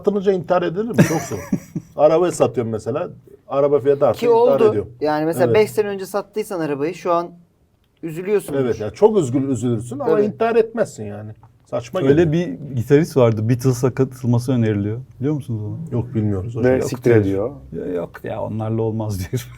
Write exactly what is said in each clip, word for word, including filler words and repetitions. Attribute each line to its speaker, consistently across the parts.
Speaker 1: satılınca intihar edilir mi? Çok zor. Arabayı satıyorum mesela. Araba fiyatı artıyor,
Speaker 2: Ki
Speaker 1: intihar
Speaker 2: oldu.
Speaker 1: ediyorum.
Speaker 2: Yani mesela
Speaker 1: Evet.
Speaker 2: beş sene önce sattıysan arabayı şu an üzülüyorsun.
Speaker 1: Evet yani çok üzgün üzülürsün ama
Speaker 2: Tabii.
Speaker 1: intihar etmezsin yani. Saçma
Speaker 3: Öyle
Speaker 1: geliyor.
Speaker 3: bir gitarist vardı. Beatles'a katılması öneriliyor. Biliyor musunuz onu?
Speaker 1: Yok bilmiyoruz. O
Speaker 4: Ve
Speaker 1: şey.
Speaker 4: siktir ediyor.
Speaker 3: Ya yok ya onlarla olmaz diyor.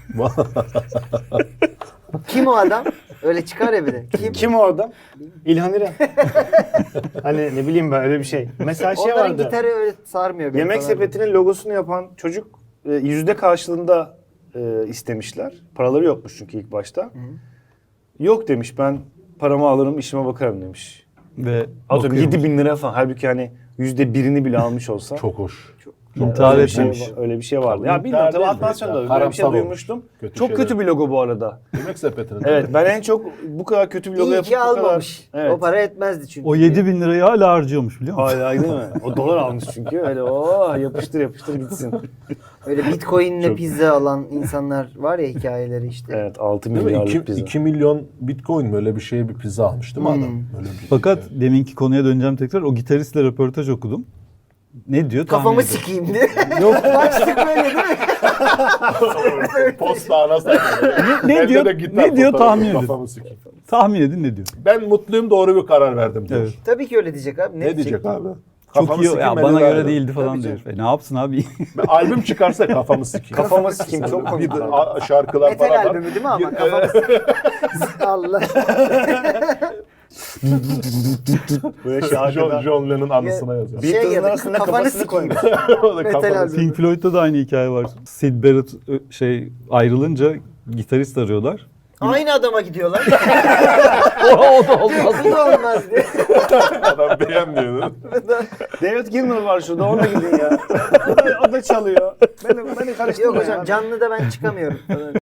Speaker 2: Kim o adam? Öyle çıkar ya bir de. Kim?
Speaker 4: Kim o adam? İlhan İrem. Hani ne bileyim ben öyle bir şey. Mesela şey
Speaker 2: Onların
Speaker 4: vardı.
Speaker 2: gitarı öyle sarmıyor. beni
Speaker 4: Yemek
Speaker 2: falan.
Speaker 4: Sepeti'nin logosunu yapan çocuk e, yüzde karşılığında e, istemişler. Paraları yokmuş çünkü ilk başta. Yok demiş, ben paramı alırım işime bakarım demiş.
Speaker 3: Ve
Speaker 4: Atıyorum
Speaker 3: bakıyormuş.
Speaker 4: yedi bin lira falan. Halbuki hani yüzde birini bile almış olsa.
Speaker 1: Çok hoş.
Speaker 3: İntihar
Speaker 4: öyle bir şey,
Speaker 3: etmemiş.
Speaker 4: öyle bir şey vardı.
Speaker 1: Tabii
Speaker 4: Ya bilmiyorum
Speaker 1: intihar
Speaker 4: tabii
Speaker 1: değil
Speaker 4: atmasyon
Speaker 1: de
Speaker 4: da
Speaker 1: ya,
Speaker 4: öyle bir şey
Speaker 1: karamsar
Speaker 4: duymuştum.
Speaker 1: olmuş. Kötü
Speaker 4: Çok
Speaker 1: şeyler.
Speaker 4: kötü bir logo bu arada.
Speaker 1: Yemek sepetinin.
Speaker 4: Evet ben en çok bu kadar kötü bir logo
Speaker 2: İyi
Speaker 4: yapıp
Speaker 2: ki
Speaker 4: bu kadar...
Speaker 2: almamış.
Speaker 4: Evet.
Speaker 2: O para etmezdi çünkü.
Speaker 3: O yedi bin lirayı hala harcıyormuş biliyor musun?
Speaker 4: Hala değil mi? O dolar almış çünkü. Öyle o yapıştır yapıştır gitsin.
Speaker 2: Öyle bitcoin'le
Speaker 4: Çok-
Speaker 2: pizza alan insanlar var ya hikayeleri işte.
Speaker 4: Evet altı
Speaker 1: Değil mi?
Speaker 4: milyarlık pizza.
Speaker 1: iki milyon bitcoin böyle bir şeye bir pizza almış değil mi
Speaker 2: Hmm.
Speaker 1: adam? Böyle bir
Speaker 3: Fakat deminki konuya döneceğim tekrar. O gitaristle röportaj okudum. Ne diyor? tahmin
Speaker 2: Kafamı
Speaker 3: edin.
Speaker 2: sikeyim diye.
Speaker 3: Yok.
Speaker 2: Başlık böyle değil mi?
Speaker 1: posta anasını.
Speaker 3: Ne, ne diyor? Ne diyor tahmin edin.
Speaker 1: Kafamı sikeyim.
Speaker 3: Tahmin edin ne diyor?
Speaker 1: Ben mutluyum doğru bir karar verdim diyor.
Speaker 3: Evet.
Speaker 2: Tabii ki öyle diyecek abi.
Speaker 1: Ne, diyecek abi?
Speaker 3: Çok
Speaker 1: Kafamı
Speaker 3: iyi.
Speaker 1: sikeyim,
Speaker 3: Ya
Speaker 1: beni
Speaker 3: bana
Speaker 1: ver
Speaker 3: göre
Speaker 1: diyor.
Speaker 3: değildi falan
Speaker 2: Tabii
Speaker 3: diyor. E, ne yapsın abi?
Speaker 1: Ben albüm çıkarsa kafamı sikeyim.
Speaker 4: Kafamı sikeyim çok komik.
Speaker 1: Bir de a- şarkılar
Speaker 2: Metal
Speaker 1: falan var.
Speaker 2: albümü değil mi ama?
Speaker 1: Bir-
Speaker 2: Kafamı sikeyim. Allah.
Speaker 4: Böyle şey
Speaker 1: John,
Speaker 4: arkada.
Speaker 1: John Lennon anısına yazıyor.
Speaker 2: Şey
Speaker 4: Beatles'ın
Speaker 2: yazık,
Speaker 4: arasında
Speaker 2: kafanı
Speaker 4: kafasını
Speaker 2: sikeyim.
Speaker 4: koymuş.
Speaker 1: O da
Speaker 2: Metal
Speaker 1: kafamı
Speaker 2: albüm.
Speaker 3: Pink Floyd'da da aynı hikaye var. Sid Barrett ö, şey ayrılınca gitarist arıyorlar.
Speaker 2: Aynı adama gidiyorlar.
Speaker 3: o da olmaz.
Speaker 2: Bu da olmaz diye.
Speaker 1: Adam beğenmiyor.
Speaker 4: David Gilmour var şurada ona gidin ya. O da, o da çalıyor. Beni, beni karıştırma
Speaker 2: Yok hocam
Speaker 4: ya.
Speaker 2: canlıda ben çıkamıyorum.